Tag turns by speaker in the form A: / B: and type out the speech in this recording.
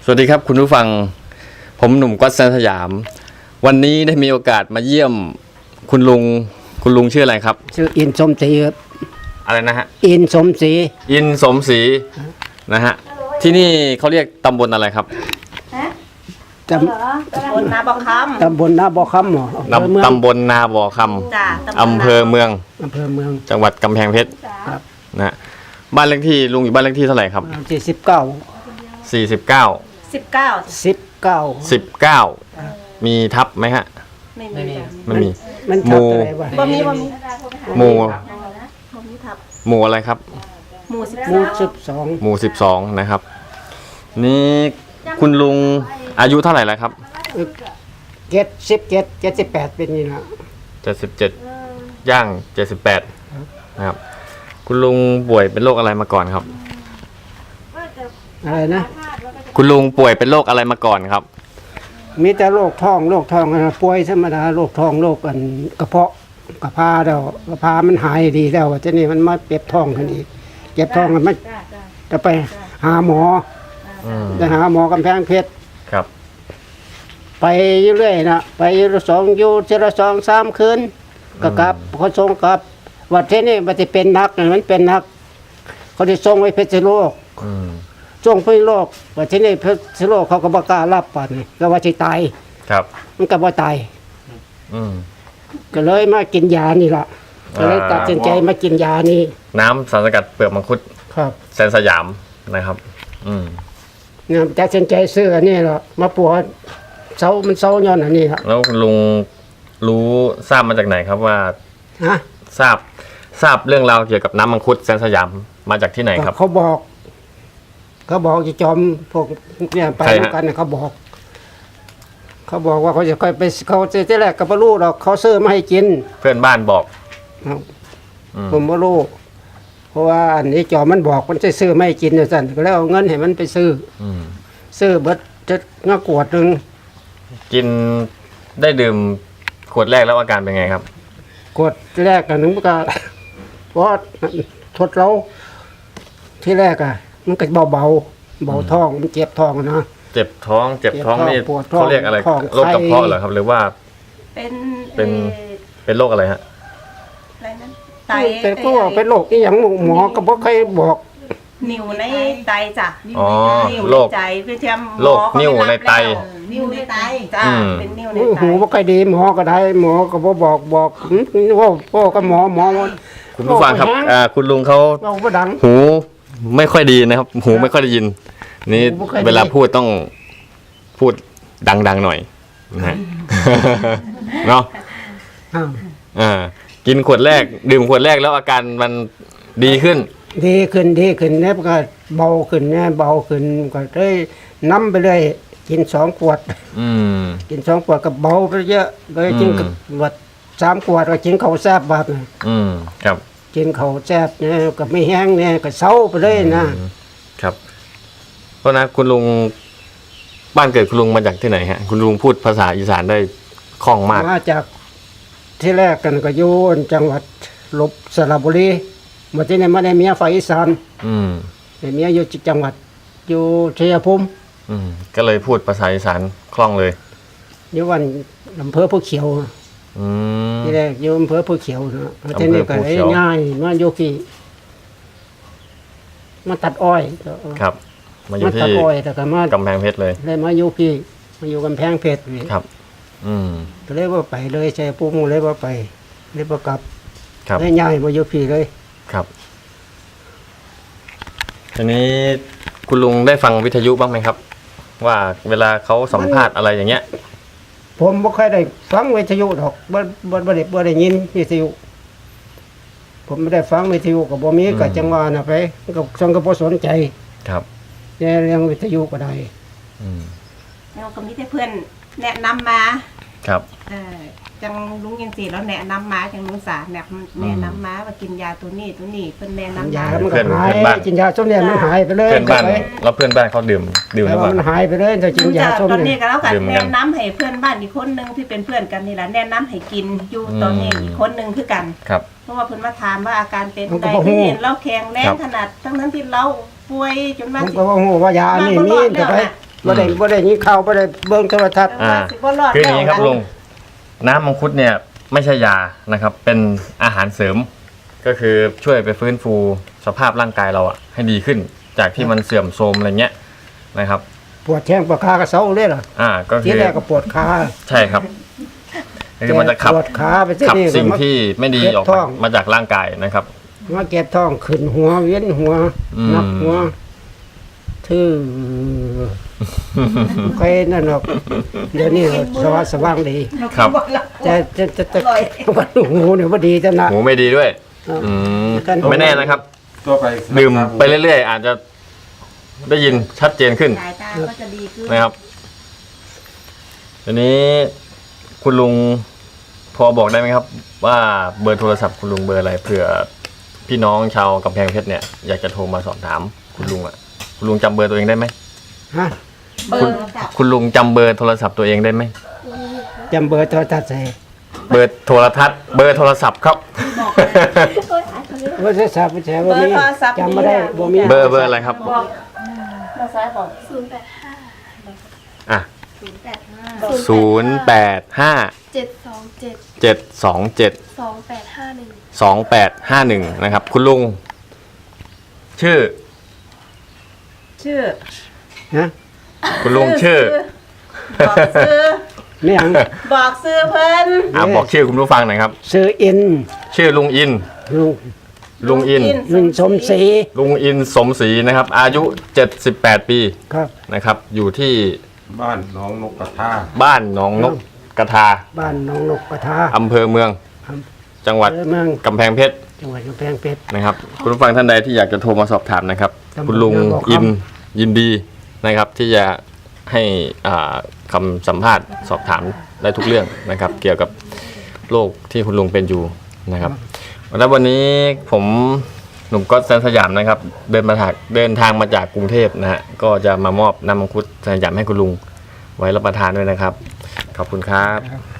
A: สวัสดีครับคุณผู้ฟังผมหนุ่มก๊อตแซนสยามวันนี้ได้มีโอกาสมาเยี่ยมคุณลุงชื่ออะไรครับ
B: ชื่ออินสมศรีครับ
A: อะไรนะฮะ
B: อินสมศรี
A: นะฮะที่นี่เขาเรียกตำบลอะไรครับ
B: ตำบลนาบ่อคำตำบลนาบ่อคำ
A: ตำบลนาบ่อคำอำเภอเมืองจังหวัดกำแพงเพชรนะบ้านเลขที่ลุงอยู่บ้านเลขที่เท่าไหร่ครับ19มีทับไหมฮะไม่มีหมู่อะไรครับ
B: หมู่
A: 12นะครับนี่คุณลุงอายุเท่าไหร่แล้วครับ
B: 78เป็นนี่นะ
A: 77ย่าง78นะครับคุณลุงป่วยเป็นโรคอะไรมาก่อนครับ
B: อะไรนะ
A: คุณลุงป่วยเป็นโรคอะไรมาก่อนครับ
B: มีแต่โรคท้องป่วยธรรมดาโรคท้องโรคกันกระเพาะกระเพาแล้วกระเพามันหายดีแล้วทีนี้มันมาเจ็บท้องกันอีกเจ็บท้องกันไม่จะไปหาหมอจะหาหมอกำแพงเพชร
A: ครับ
B: ไปเรื่อยนะไป2-3 คืนก็กลับเขาส่งกลับว่าที่นี่มันจะเป็นนักมันเป็นนักเขาได้ส่งไว้เพชรโลกส่งไปโลกว่าที่นี่เพชรโลกเขาก็บ่กล้ารับป่านก็ว่าสิตาย
A: ครับ
B: มันก็บ่ตายก็เลยมากินยานี่ล่ะก็เลยตัดสินใจมากินยานี่
A: น้ำสารสกัดเปลือกมังคุด
B: ครับ
A: แสนสยามนะครับ
B: เนี่ยตัดสินใจซื้ออันนี้ล่ะมาปวดเซามันเซาย้อนอันนี้ล่ะ
A: แล้วลุงทราบมาจากไหนครับว่าทราบเรื่องราวเกี่ยวกับน้ำมังคุดแสนสยามมาจากที่ไหนครับ
B: เขาบอกจะจอมพวกเนี่ยไปด้วยกันเขาบอกว่าเขาจะค่อยไปเขาที่แรกก็ไม่รู้หรอกเขาซื้อมาให้กิน
A: เพื่อนบ้านบอก
B: ผมไม่รู้เพราะว่าอันนี้จอมมันบอกมันจะซื้อไม่ให้กินเนี่ยสั่นก็แล้วเอาเงินให้มันไปซื้อเบิดจะง่าขวดนึง
A: กินได้ดื่มขวดแรกแล้วอาการเป็นไงครับ
B: ขวดแรกกันนึงมันก็เพราะทดเราที่แรกมันก็เบาท้องมันเจ็บท้องนะ
A: เจ็บท้องนี่เขาเรียกอะไรโรคกระเพาะเหรอครับหรือว่าเป็นโรคอะไรฮะ
C: อะไรนั้นไต
B: เป็นก็เป็นโรคที่อย่างหมอก็บอกใครบอก
C: นิ่วในไตจ้ะ
A: โรค
C: ใจคือแชม
A: โรคนิ่วในไต
C: นิ่วในไตจ้ะเป็นนิ่วในไต
B: หูบ่ค่อยดีหมอก็ได้หมอก็บอกว่าพ่อก็หมอ
A: คุณผู้ฟังครับคุณลุงเขาหูไม่ค่อยดีนะครับหูไม่ค่อยได้ยินนี่เวลาพูดต้องพูดดังๆหน่อยนะเนาะกินขวดแรกดื่มขวดแรกแล้วอาการมันดีขึ้น
B: เนี่ยก็เบาขึ้นก็ได้น้ำไปเลยกิน2 ขวดกิน2 ขวดก็เบาไปเยอะเลยกินกับ3 ขวดก็กินข้าวแซ่บแบบ
A: ครับ
B: กินข้าวแซ่บเนี่ยก็ไม่แห้งเนี่ยก็เซาไปเลย
A: นะครับเพราะนะคุณลุงบ้านเกิดคุณลุงมาจากที่ไหนฮะคุณลุงพูดภาษาอีสานได้คล่องมาก
B: มาจากที่แรกกันก็อยู่จังหวัดสระบุรีมาที่นี่มาได้เมียฝ่ายอีสานได้เมียอยู่จังหวัดอยู่ชัยภูมิ
A: ก็เลยพูดภาษาอีสานคล่องเลย
B: อยู่วันอำเภอภูเขียวที่แรกอยู่อำเภอภูเขียวนะที่นี่ก็ง่ายมาอยู่ที่มาตัดอ้อย
A: ครับมาอยู่ที่กำแพงเพชรเลย
B: มาอยู่กำแพงเพชร
A: ครับ
B: ก็เลยว่าไปเลยชัยภูมิเลยว่าไปเลยว่ากลับได้ง่ายมาอยู่พี่เลย
A: ครับทีนี้คุณลุงได้ฟังวิทยุบ้างไหมครับว่าเวลาเขาสัมภาษณ์อะไรอย่างเงี้ย
B: ผมไม่เคยได้ฟังวิทยุหรอกบ่ได้ยินวิทยุผมไม่ได้ฟังวิทยุกับบ่มีกับจังหวะน่ะไปกับสังกับ่สนใจ
A: ครับ
B: เรื่องวิทยุก็ได้
C: แล้วก็มีแต่เพื่อนแนะนำมา
A: ครับ
C: จังลุงยังสีแล้วแนะนำมาจังลุงสาแนะนำมาว่ากินยาตัวนี้เพิ่นแนะนำ
B: ยาเพื่อนบ้านกินยาส้มเนี่ยมันหายไปเลย
A: เพื่อนบ้านแล้วเพื่อนบ้านเขาดื่ม
B: แล้วมันหายไปเลยถ้ากินยาส้ม
C: ตอนนี้ก็แล้วกันแนะนำให้เพื่อนบ้านอีกคนนึงที่เป็นเพื่อนกันนี่แหละแนะนำให้กินอยู่ตอนนี้อีกคนนึงคือกัน
A: ครับ
C: เพราะว่าเพิ่นมาถามว่าอาการเป็นใดที่เห็นเราแข็งแรงขนาดทั้งนั้นที่เราป่วยจนว่า
B: ผมก็ว่าโหว่ายานี่มีแต่ไปบ่ได้ยินข่าวบ่ได้เบิ่งโทรทัศน์
A: อ่า
C: สิบ่รอด
A: คืออย่างนี้ครับลุงน้ำมังคุดเนี่ยไม่ใช่ยานะครับ เป็นอาหารเสริม ก็คือช่วยไปฟื้นฟูสภาพร่างกายเราอะให้ดีขึ้น จากที่มันเสื่อมโทรมอะไรเงี้ยนะครับ
B: ปวดแข้งปวดขาก็เซาเลยล่ะ
A: ก็คื
B: ที
A: อ
B: แรกก็ปวดขา
A: ใช่ครับคือมันจะขับ
B: ปวดขาไปสิ
A: ขับ
B: นี่
A: สิ่งที่ไม่ดีออก
B: เจ็บท้อง
A: มาจากร่างกายนะครับ
B: มาเก็บท้องขึ้นหัวเวียนหัว
A: อืม
B: นักหัวทื่อใครนั่นหรอกเดี๋ยวนี้สว่างดี
A: ครับ
B: แต่มันหูเนี่ยบ่ดีจังนะ
A: หูไม่ดีด้วย อืมไม่แน่นะครับ
D: ตัวไป
A: ดื่มไปเรื่อยๆ อาจจะได้ยินชัดเจนขึ้น
C: สายตาก็จะดีขึ้น
A: นะครับทีนี้คุณลุงพอบอกได้ไหมครับ ว่าเบอร์โทรศัพท์คุณลุงเบอร์อะไรเผื่อพี่น้องชาวกำแพงเพชรเนี่ยอยากจะโทรมาสอบถามคุณลุงอ่ะคุณลุงจำเบอร์ตัวเองได้ไหม
B: ฮะ
C: เบอร์ค่ะ
A: คุณลุงจำเบอร์โทรศัพท์ตัวเองได้ไหม
B: จำเบอร์โทรทัศน์ใส่
A: เบอร์โทรทัศน์เบอร์โทรศัพท์ครับ
B: เบอร์โทรศัพท์ใช่บ่มีจำบ่ได้บ่มี
A: เบอร์อะไรครับ
C: บอกมาซ้ายบอก
A: อ่ะ
E: 085
A: 085
E: 727
A: 727
E: 2851
A: 2851นะครับคุณลุงชื่อ
C: ชื่อ
B: ฮะ
A: คุณลุงชื่อ
C: บอกซื้อ
B: ไม่หยัง
C: บอกซื้อเพิ่น
A: บอกชื่อคุณผู้ฟังหน่อยครับ
B: ซื้ออิน
A: ชื่อลุงอิน
B: ลุง
A: ลุงอิน
B: ลุงสมศรี
A: ลุงอินสมศรีนะครับ อายุ 78 ปี
B: ครับ
A: นะครับ อยู่ที่
D: บ้านน้องนกกระทา
A: บ้านหนองนกกระทา
B: บ้านหนองนกกระทา
A: อำเภอเมือง จังหวัด
B: เมือง
A: กำแพงเพชร
B: จังหวัดกำแพงเพชร
A: นะครับ คุณผู้ฟังท่านใดที่อยากจะโทรมาสอบถามนะครับ
B: ตำบล
A: คุณลุง
B: นาบอกคำ
A: อินยินดีนะครับ ที่จะให้คำสัมภาษณ์สอบถามได้ทุกเรื่องนะครับ เกี่ยวกับโรคที่คุณลุงเป็นอยู่นะครับ แล้ววันนี้ผมหนุ่มก๊อตแสนสยามนะครับ เดินทางมาจากกรุงเทพนะฮะก็จะมามอบน้ำมังคุดสยามให้คุณลุงไว้รับประทานด้วยนะครับ ขอบคุณครับ